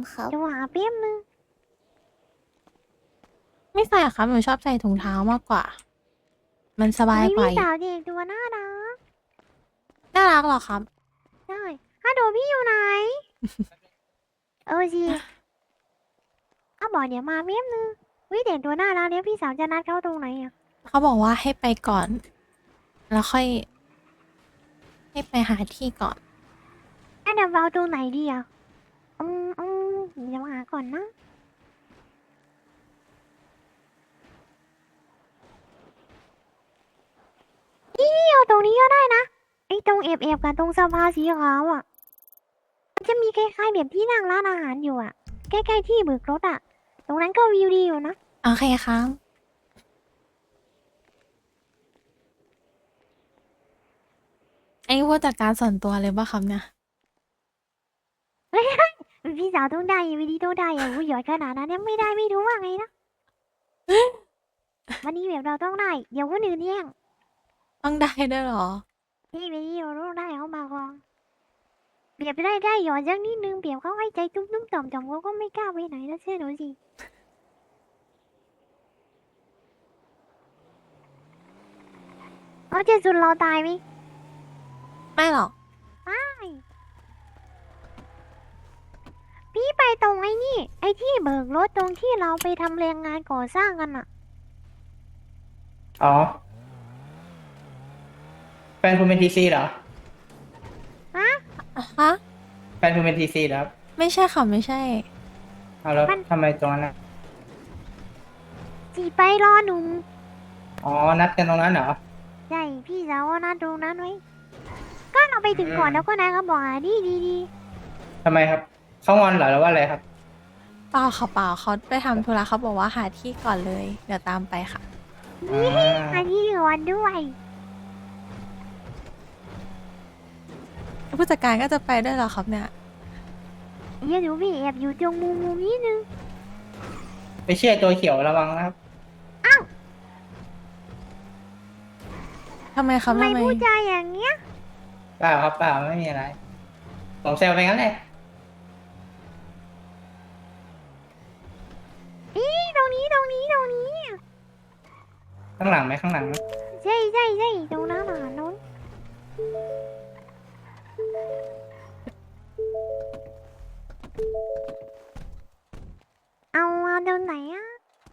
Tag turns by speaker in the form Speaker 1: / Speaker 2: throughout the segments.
Speaker 1: ครับ
Speaker 2: จะหาเปี้ยมนึง
Speaker 3: ไม่ใส่ครับหนูชอบใส่ถุงเท้ามากกว่า มันสบาย
Speaker 2: มี
Speaker 3: กว่าอีก
Speaker 2: พี่สาวเด็กตัวน่ารัก
Speaker 3: น่ารักเหรอครับ
Speaker 2: ใช่ฮัลโหลพี่อยู่ไหน สิเขาบอกเดี๋ยวมาเปี้ยมนึงวิเด็กตัวน่ารักเดี๋ยวพี่สาวจะนัดเขาตรงไหนอ่ะ
Speaker 3: เขาบอกว่าให้ไปก่อน แล้วค่อยให้ไปหาที่ก่อน
Speaker 2: เดี๋ยวเราตรงไหนดีอ่ะเดี๋ยวหาก่อนนะเอาตรงนี้ก็ได้นะไอ้ตรงเอฟกับตรงสภาสีขาวอ่ะมันจะมีคล้ายๆแบบที่นั่งร้านอาหารอยู่อ่ะใกล้ๆที่เบิกรถอ่ะตรงนั้นก็วิวดีอยู่นะ
Speaker 3: โอเคครับ ไอ้ผู้จัดการส่วนตัวเลยป่ะครับเนี่ย
Speaker 2: พี่สาวต้องได้วิธีต้องได้อย่าหยอดขนาดนั้นยังไม่ได้ไม่รู้ว่าไงนะวันนี้แบบเราต้องได้เดี๋ยวคนอื่นแย่ง
Speaker 3: ต้องได้ด้วยเหรอ
Speaker 2: พี่วิธีเราต้องได้เขามาก่อนเปรียบได้หยอดสักนิดนึงเปรียบเขาให้ใจตุ้มๆต่อมๆเขาก็ไม่กล้าไปไหนแล้วเชื่อหนูสิเขาจะสุดเราตายไหม
Speaker 3: ไม่หรอก
Speaker 2: ไม่พี่ไปตรงไอ้นี่ไอ้ที่เบิกรถตรงที่เราไปทำแรงงานก่อสร้างกันอะ
Speaker 4: อ๋อแฟนคุณเป็นทีซีเหรอ
Speaker 3: ฮะ
Speaker 4: แฟนคุณเป็นทีซีเหรอครับ
Speaker 3: ไม่ใช่ค่ะไม่ใช่
Speaker 4: เอาแล้วทำไมตรงนั้นนะ
Speaker 2: จีไปรอหนุ่ม
Speaker 4: อ๋อ นัดกันตรงนั้นเหรอ
Speaker 2: ใช่พี่สาวนัดตรงนั้นไว้ก็เราไปถึงก่อนแล้วก็นายก็บอกดี
Speaker 4: ทำไมครับ เขางอนเหรอหรือว่าอะไรครับ
Speaker 3: เปล่าค่ะเปล่าเขาไปทำธุระเขาบอกว่าหาที่ก่อนเลย เดี๋ยวตามไปค่ะ
Speaker 4: อ่า
Speaker 2: อันนี้ก่อนด้วย
Speaker 3: ผู้จัดการก็จะไปด้วยเหรอครับเนี่ย
Speaker 2: เดี๋ยวหนูไปแอบอยู่ตรงมุมนี้นึง
Speaker 4: ไปเชื่อตัวเขียวระวังนะครับ
Speaker 3: ทำไมครับ
Speaker 2: ทำไม
Speaker 3: ทำไม
Speaker 2: พูดจาอย่างเงี้ย
Speaker 4: เปล่าครับเปล่าไม่มีอะไรผมแซวไปงั้นแหละ
Speaker 2: ตรงนี้
Speaker 4: ข้างหลังไหมข้างหลังไหม
Speaker 2: ใช่ตรงนั้นโน้นเอาตรงไหนอ่ะ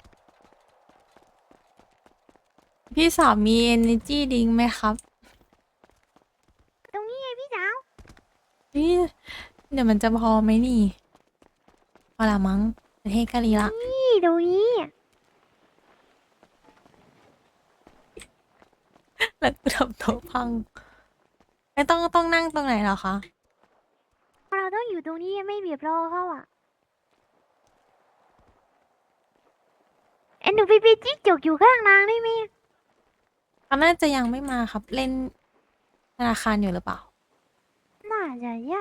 Speaker 3: พี่สาวมี energy drink ไหมครับ
Speaker 2: ตรงนี้ไงพี่สาว
Speaker 3: พี่เดี๋ยวมันจะพอไหมนี่พอละมั้งประเทศกะลีละ
Speaker 2: นี่ตรงนี้
Speaker 3: แล้วกูทำโต๊ะพังไม่ต้องนั่งตรงไหนเหรอคะ
Speaker 2: เราต้องอยู่ตรงนี้ไม่เบียบรอเขาอ่ะหนูไปจิ๊กจกอยู่ข้างนางได้ไหม
Speaker 3: เขาน่าจะยังไม่มาครับ เล่นธนาคารอยู่หรือเปล่า
Speaker 2: น่าจะใช่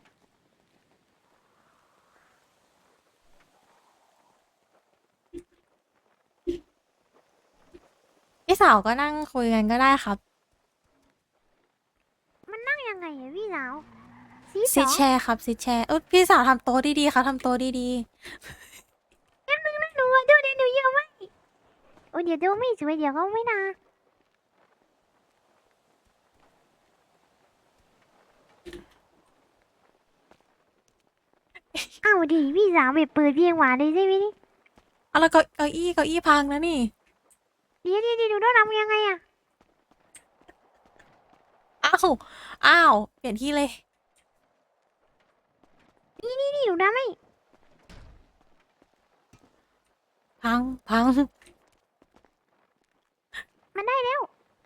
Speaker 3: พี่สาวก็นั่งคุยกันก็ได้ครับ
Speaker 2: มันนั่งยังไงอะพี่สาวซี
Speaker 3: ซิทแชร์ครับซิทแชร์พี่สาวทำโต๊ะดีๆครับทำโต๊ะดี
Speaker 2: หนูอะดูดิหนูเยอะไหมโอ้เดี๋ยวดูไม่สวยเดี๋ยวเขาไม่นาเอาดิพี่สาวแบบเปิดเพลงหวานเลยใช่ไหมนี่
Speaker 3: ๆเอาแล้วเก้าอี้พังนะนี่
Speaker 2: เดี๋ยวหนูต้องทำยังไงอะ
Speaker 3: อ้าวอ้าวเปลี่ยนที่เลย
Speaker 2: นี่หนูทำไม่
Speaker 3: พัง
Speaker 2: มันได้แล้ว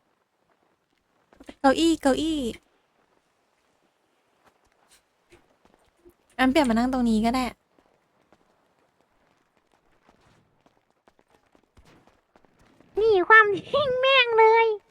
Speaker 3: เก้าอี้งั้นเปลี่ยนมานั่งตรงนี้ก็ได้
Speaker 2: นี่ความทิ้งแม่งเลย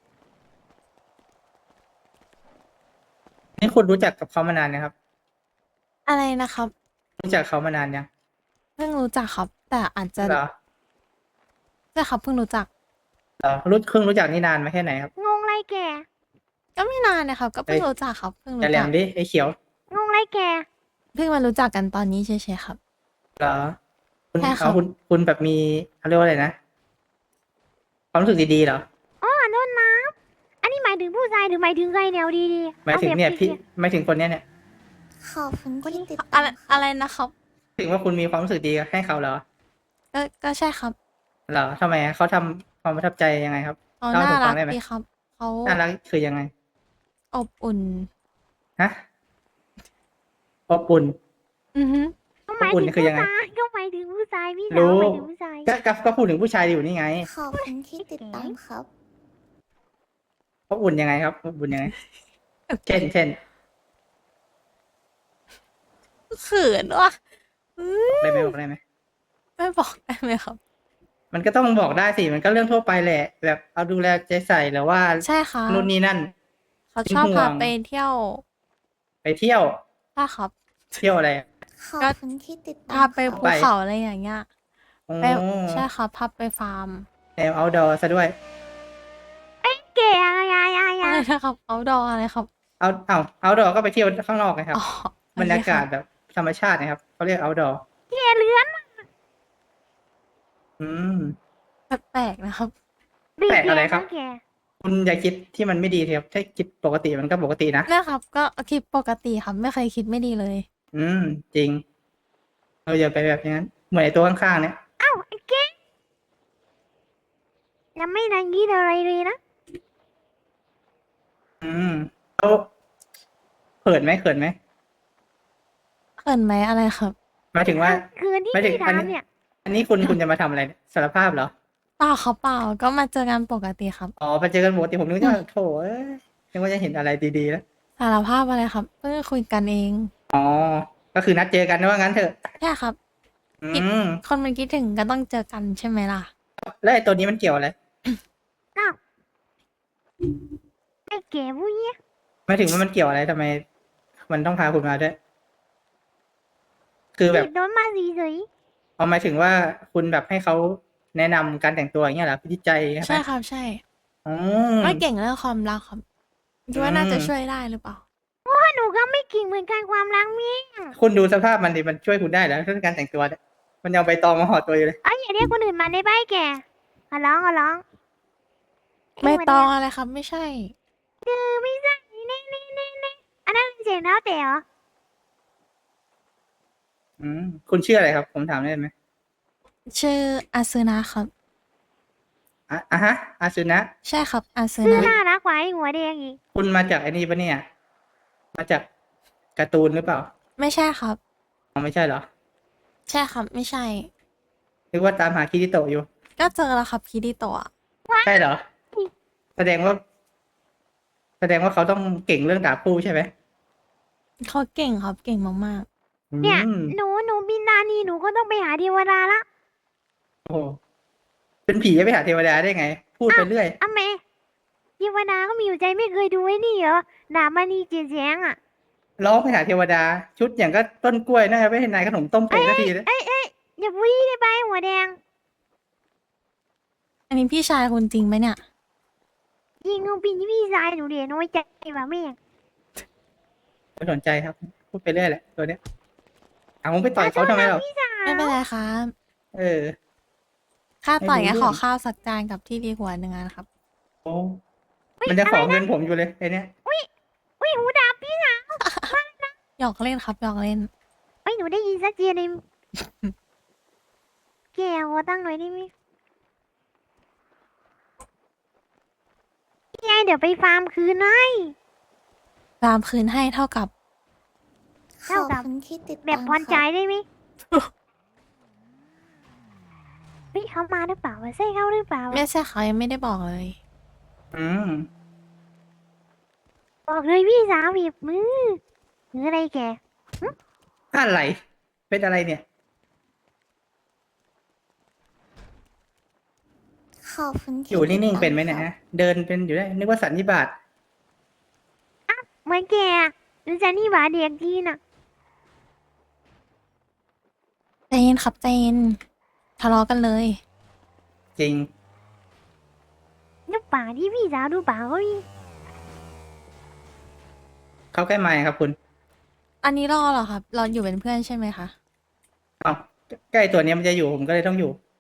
Speaker 4: นี่คุณรู้จักกับเขามานานนะครับ
Speaker 3: อะไรนะครับ
Speaker 4: รู้จักเขามานานยัง
Speaker 3: เพิ่งรู้จักครับ แต่อาจจะ
Speaker 4: เหรอ
Speaker 3: ใช่ครับเพิ่งรู้จัก
Speaker 4: เหรอเพิ่งรู้จักนี่นานมาแค่ไหนครับ
Speaker 2: งงไรแก
Speaker 3: ก็ไม่นานนะครับ ก็เพิ่ง
Speaker 4: เอ้ย
Speaker 3: รู้จักครับเพิ่ง
Speaker 4: อย่า
Speaker 3: รู้
Speaker 4: แหล
Speaker 3: จัก
Speaker 4: มดิไอ้เขียว
Speaker 2: งงไรแก
Speaker 3: เพิ่งมารู้จักกันตอนนี้เฉยๆครับ
Speaker 4: เหรอคุณ
Speaker 3: ใช่ครั
Speaker 4: เอา
Speaker 3: บ
Speaker 4: คุณแบบมีเขาเรียกว่าอะไรนะความรู้สึกดีๆเหรอ
Speaker 2: อ๋อโทษนะอันนี้หมายถึงผู้ชายหรือหมายถึงใครแนวดีๆ
Speaker 4: หมายถึง
Speaker 2: แบบ
Speaker 4: เนี่ย
Speaker 2: คลี
Speaker 4: พี่
Speaker 2: ยร์
Speaker 4: หมายถึงคนเนี้ยเนี่ย
Speaker 1: ขอบคุณที่ติด
Speaker 3: อะ
Speaker 1: ตา
Speaker 3: ไร
Speaker 1: มค
Speaker 3: อะ
Speaker 1: รับ
Speaker 3: ไรนะครับ
Speaker 4: ถึงว่าคุณมีความรู้สึกดีให้เขาเหรอ
Speaker 3: ก็ใช่ครับ
Speaker 4: เหรอทำไมอะเขาทำความประทับใจยังไงครับ
Speaker 3: เขา
Speaker 4: เล่าให้
Speaker 3: น่า
Speaker 4: ผมฟั
Speaker 3: รั
Speaker 4: ง
Speaker 3: ก
Speaker 4: ได้ไหม
Speaker 3: ดีครับ เขา
Speaker 4: น่ารักคือยังไง
Speaker 3: อบอุ่น
Speaker 4: ฮะอบอุ่น
Speaker 3: อือฮึ
Speaker 2: ก็หมาย
Speaker 4: อบอุ่น
Speaker 2: ถึง
Speaker 4: คือ
Speaker 2: ผู้
Speaker 4: ยังไง
Speaker 2: ชายก็หมายถึงผู้ชายพี่สาว
Speaker 4: รู้
Speaker 2: หมายถึงผู้ชาย
Speaker 4: ก็พูดถึงผู้ชายอยู่นี่ไง
Speaker 1: ขอบคุณที่ติดตามครับ
Speaker 4: อบอุ่นยังไงครับอบอุ่นยังไง เช่น
Speaker 3: เขินว่ะ
Speaker 4: ได้ไหมบอกได้ไหม
Speaker 3: ไม่บอกได้ไหมครับ
Speaker 4: มันก็ต้องบอกได้สิมันก็เรื่องทั่วไปแหละ แบบเอาดูแลใจใส่หรือว่า
Speaker 3: ใช่ครับ
Speaker 4: นู่นนี่นั่น
Speaker 3: เขา
Speaker 4: เป็น
Speaker 3: ชอบ
Speaker 4: ห่ว
Speaker 3: พาง ไปเที่ยว
Speaker 4: ไปเที่ยว
Speaker 3: ใช่ครับ
Speaker 4: เที่ยวอะไรอะ
Speaker 1: ขอบคุณที่ติดตา
Speaker 3: พาม ไป
Speaker 1: ค
Speaker 3: ภู
Speaker 1: รับ
Speaker 3: เขาอะไรอย่างเงี้ย
Speaker 4: โอ้
Speaker 3: ไปใช่ครับพาไปฟาร์ม
Speaker 4: แนว outdoor ซะด้วย
Speaker 2: เก๋อะไร
Speaker 3: อะไรนะครับเอาดออะไรครับ
Speaker 4: outdoor ก็ไปเที่ยวข้างนอกไงครับ
Speaker 3: อ๋อบ
Speaker 4: รรยากาศแบบธรรมชาตินะครับเขาเรียก outdoor
Speaker 2: เก๋เลื้อน
Speaker 4: อืม
Speaker 3: แปลกๆนะครับ
Speaker 4: แปลกอะไรครับ
Speaker 2: แก
Speaker 4: คุณอย่าคิดที่มันไม่ดีครับถ้าคิดปกติมันก็ปกตินะ
Speaker 3: นะครับ ก็คิดปกติครับ ไม่เคยคิดไม่ดีเลย
Speaker 4: อืม จริง เราอย่าไปแบบนั้น เหมือนไอ้ตัวข้างๆเนี่ย
Speaker 2: เอ้าไอ้เก๋ยังไม่นังกี้อะไรเลยนะ
Speaker 4: อืมแล้วเขินไหม
Speaker 3: เขินไหมอะไรครับ
Speaker 4: หมายถึงว่า
Speaker 2: คืนที่
Speaker 4: ไม่ถึง
Speaker 2: พี่ถามเนี่ย
Speaker 4: อันนี้คุณจะมาทำอะไรเนี่ยสารภาพเหรอ
Speaker 3: เปล่าครับเปล่า ก็มาเจอกันปกติครับ
Speaker 4: อ๋อไปเจอกันปกติผมนึกว่าโถเอ้ยนึกว่าจะเห็นอะไรดีๆแล้ว
Speaker 3: สารภาพอะไรครับ เพิ่งคุยกันเอง
Speaker 4: อ๋อ ก็คือนัดเจอกันนะว่างั้นเถอะ
Speaker 3: ใช่ครับ
Speaker 4: อืม
Speaker 3: คนมันคิดถึงก็ต้องเจอกันใช่ไหมล่ะ
Speaker 4: แล้วไอ้ตัวนี้มันเกี่ยวอะไร
Speaker 2: อ้าวไอ้เก๋ผู้เนี้ย
Speaker 4: หมายถึงว่ามันเกี่ยวอะไรทำไม มันต้องพาคุณมาด้วย คือแบบ
Speaker 2: โดนมาสีสวย
Speaker 4: เอาหมายถึงว่าคุณแบบให้เขาแนะนำการแต่งตัวอย่างเงี้ยเหรอพิจิตใจใช่ไหม
Speaker 3: ใช่ครับ ใช่
Speaker 4: อ๋อ
Speaker 3: ไม่เก่งเรื่องความรักครับคิดว่าน่าจะช่วยได้หรือเปล่า
Speaker 2: ว่าหนูก็ไม่เก่งเหมือนกันความรักเมีย
Speaker 4: คุณดูสภาพมันดิมันช่วยคุณได้แล้วเรื่องการแต่งตัวเนี่ยมันเอาใบตองมาห่อตัวอยู่เลย
Speaker 2: เอ้ยอย่าเรียกคนอื่นมาได้ไหมแกขอร้องเย
Speaker 3: ไม่ตอง
Speaker 2: วัน
Speaker 3: อะไรครับ ไม่ใช่
Speaker 2: เนี้ยไม่ใช่นี่อันนั้นเสียงเท้าแต่เหรอ
Speaker 4: อืมคุณชื่ออะไรครับ ผมถามได้ไหม
Speaker 3: ชื่ออาซึนะครับ
Speaker 4: อ่ะฮะอาซุนะ
Speaker 3: ใช่ครับอาซึ
Speaker 2: ชื่อ
Speaker 3: นะ
Speaker 2: น่ารักกว่าไอ้หัวแดงอีก
Speaker 4: คุณมาจากไอ้นี่ปะเนี่ย มาจากการ์ตูนหรือเปล่า
Speaker 3: ไม่ใช่ครับ
Speaker 4: อ๋อไม่ใช่เหรอ
Speaker 3: ใช่ครับ ไม่ใช่
Speaker 4: นึกว่าตามหาคิริโตะอยู่
Speaker 3: ก็เจอแล้วครับคิริโตะ
Speaker 4: ใช่เหรอ แสดงว่าเขาต้องเก่งเรื่องดาบคู่ใช่ไหม
Speaker 3: เขาเก่งครับ เก่งมาก
Speaker 2: เนี่ย
Speaker 4: อืม
Speaker 2: หนูบินดานีหนูก็ต้องไปหาเทวดาละ
Speaker 4: โอ้โหเป็นผีจะไปหาเทวดาได้ไง พูดไปเรื่อย
Speaker 2: อ่ะแม่เทวดาก็มีอยู่ใจไม่เคยดูไอ้นี่เหรอดาบมณีเจียแสงอ่ะ
Speaker 4: ร้องไปหาเทวดา ชุดอย่างก็ต้นกล้วยน่าจะไม่เห็นนายขนมต้มเป็ดสักทีเลย
Speaker 2: อย่าพูดได้ไปหัวแดง
Speaker 3: ๆ อันนี้พี่ชายคุณจริงไหมเนี่ย
Speaker 2: ยิงงูปีนที่พี่ชายหนูเดียน้อยใจว่ะแม่
Speaker 4: ไม่สนใจครับ พูดไปเรื่อยแหละตัวเนี้ยเอามึงไปต่อยเขาทำไมหรอ
Speaker 2: พี่สาว
Speaker 3: ไม่เป็นไรครับ
Speaker 4: เออ
Speaker 3: ค่าต่อย
Speaker 4: ไม่
Speaker 3: งั้น
Speaker 4: รู้
Speaker 3: ขอข้าวสักจานกับที่ดีหัวหนึ่งอันครับ
Speaker 4: โอ้มันจะขอเงินผมอยู่เลยไอ้เนี้ย
Speaker 2: อุ้ยหูดับพี่สาว
Speaker 3: หยอกเล่นครับ หยอกเล่น
Speaker 2: เอ้ยหนูได้ยินสักทีเลยแกหัวตั้งหน่อยได้ไหมพี่ไงเดี๋ยวไปฟาร์มคืนให้
Speaker 3: ตามคืนให้เท่ากับ
Speaker 1: ขอบคุณที่ติด
Speaker 2: แบบ
Speaker 1: ตาม
Speaker 2: พรใจ
Speaker 1: ครับ
Speaker 2: ได้ไหมเฮ้ยเขามาหรือเปล่าวะใช่เขาหรือเปล่าวะ
Speaker 3: ไม่ใช่เขายังไม่ได้บอกเลย
Speaker 4: อืม
Speaker 2: บอกเลยพี่สาวบีบมือหรืออะไรแก
Speaker 4: อะไร เป็นอะไรเนี่ย
Speaker 1: ขอบคุณที่
Speaker 4: อยู่นิ่ง
Speaker 1: ติด
Speaker 4: ๆ
Speaker 1: ตาม
Speaker 4: เป็นไหมเนี่ย
Speaker 1: ครับ
Speaker 4: ฮะ เดินเป็นอยู่ได้ นึกว่าสันนิบาต
Speaker 2: เหมือนแกหรือจะนี่หวาเด็กทีน่ะ
Speaker 3: ใจเย็นครับใจเย็นทะเลาะกันเลย
Speaker 4: จริง
Speaker 2: นึกป่าที่พี่สาวดูป่าเขาดิ
Speaker 4: เข้าใกล้ไมค์ครับคุณ
Speaker 3: อันนี้รอเหรอครับ รออยู่เป็นเพื่อนใช่ไหมคะ
Speaker 4: เอ้าใกล้ตัวเนี้ยมันจะอยู่ผมก็เลยต้องอยู่